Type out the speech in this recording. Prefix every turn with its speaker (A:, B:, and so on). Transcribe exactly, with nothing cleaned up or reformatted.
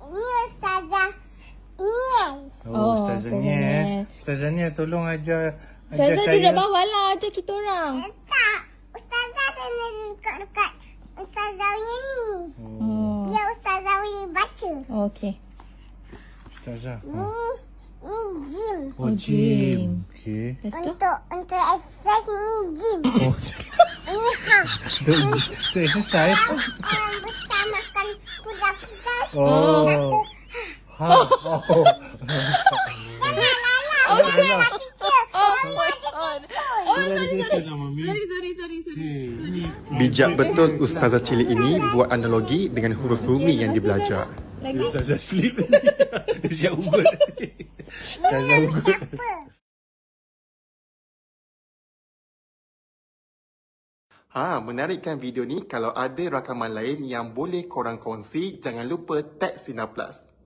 A: Ni Ustazah Niel.
B: Oh,
C: Oh,
B: Ustazah
C: Ustazah
B: Nia.
C: Nia.
B: Ustazah Nia tolong ajar, ajar
C: Ustazah
B: saya.
C: duduk bawah lah, ajar kita orang.
A: Tak. Ustazah kena dekat-dekat Ustazah ni.
C: Oh.
A: Biar Ustazah boleh baca.
C: Okey.
B: Ustazah.
A: Ni
B: Oh,
A: ni gym.
B: oh
C: Oh, gym.
B: gym. Okey.
C: Lepas tu?
A: Untuk untuk exercise ni gym.
B: Oh,
A: Ni ha.
B: tu, tu exercise.
A: Orang besar makan kuda-kuda.
B: Oh. Ha. Oh.
A: Oh, janganlah teacher. Mami ada
C: on.
B: Sorry,
C: Sorry, sorry, sorry, sorry.
D: Bijak betul Ustazah cilik ini buat analogi dengan huruf Rumi yang dibelajar.
C: Lagi?
B: Ustazah sleep. Dia siap ugut. Ustazah ugut.
A: siapa?
D: Ha, menarik kan video ni? Kalau ada rakaman lain yang boleh korang kongsi, jangan lupa tag Sina Plus.